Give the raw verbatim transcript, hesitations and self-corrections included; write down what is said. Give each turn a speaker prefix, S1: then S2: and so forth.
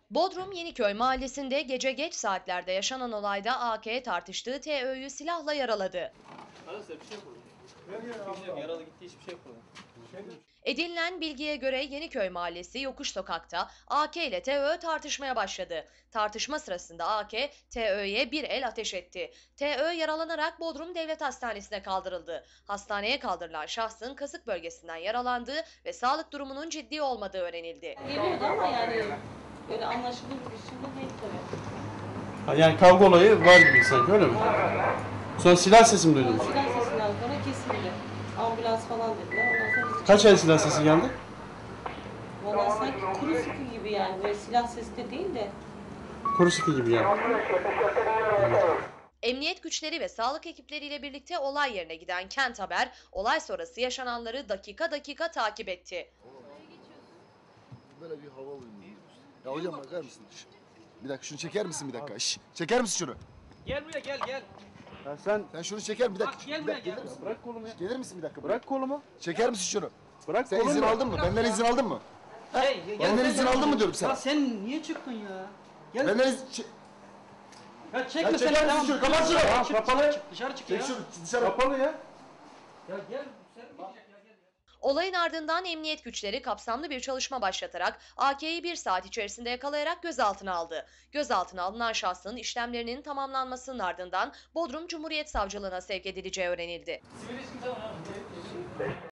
S1: Bodrum Yeniköy mahallesinde gece geç saatlerde yaşanan olayda A K tartıştığı T Ö'yü silahla yaraladı.
S2: Arkadaşlar bir şey yapalım. Hiçbir şey yok. Yaralı gitti, hiçbir şey yapalım.
S1: Edinilen bilgiye göre Yeniköy mahallesi Yokuş Sokak'ta A K ile T Ö tartışmaya başladı. Tartışma sırasında A K, T Ö'ye bir el ateş etti. T Ö yaralanarak Bodrum Devlet Hastanesi'ne kaldırıldı. Hastaneye kaldırılan şahsın kasık bölgesinden yaralandığı ve sağlık durumunun ciddi olmadığı öğrenildi.
S3: Geliyordu ama yani böyle anlaşılır bir biçimde değil tabii.
S4: Ha, yani kavga olayı var gibi sanki, öyle mi? Sonra silah sesi mi duydunuz?
S3: Silah sesinden sonra kesildi. Ambulans falan dediler. Ondan sonra biz
S4: Kaç el silah sesi geldi?
S3: Valla sanki kuru sıkı gibi yani. Böyle silah sesi de değil de.
S4: Kuru sıkı gibi yani.
S1: Emniyet güçleri ve sağlık ekipleriyle birlikte olay yerine giden Kent Haber, olay sonrası yaşananları dakika dakika takip etti.
S5: Böyle bir hava alayım. Ya hocam bakar mısın? Şş, bir dakika şunu çeker misin bir dakika? Şş, çeker misin şunu?
S2: Gel buraya, gel gel.
S4: Ya sen
S5: Sen şunu çeker bir dakika.
S2: Bak, gel
S5: bir
S2: buraya,
S5: dakika,
S2: gel.
S5: gelir misin?
S4: bırak kolumu ya.
S5: Gelir misin bir dakika?
S4: Bırak kolumu.
S5: Çeker misin şunu?
S4: Bırak
S5: Sen
S4: kolumu.
S5: izin aldın mı? Benden izin aldın mı?
S2: Hey, gel,
S5: Benden
S2: gel,
S5: izin
S2: gel.
S5: aldın mı diyorum sana?
S2: Ya sen niye çıktın ya? Gel.
S5: Benden izin... Çek...
S2: Ya çekme
S5: Ya
S2: sen.
S5: çeker misin
S2: Tamam.
S5: şunu? Kapat şunu!
S2: Dışarı çık,
S4: Kapalı.
S2: dışarı çık, dışarı çık ya.
S5: Çek şunu dışarı.
S4: Kapalı ya.
S2: Ya gel, sen mi gidecek ya, gel ya.
S1: Olayın ardından emniyet güçleri kapsamlı bir çalışma başlatarak A K'yi bir saat içerisinde yakalayarak gözaltına aldı. Gözaltına alınan şahsın işlemlerinin tamamlanmasının ardından Bodrum Cumhuriyet Savcılığına sevk edileceği öğrenildi.
S2: Sivil ismi tamam abi.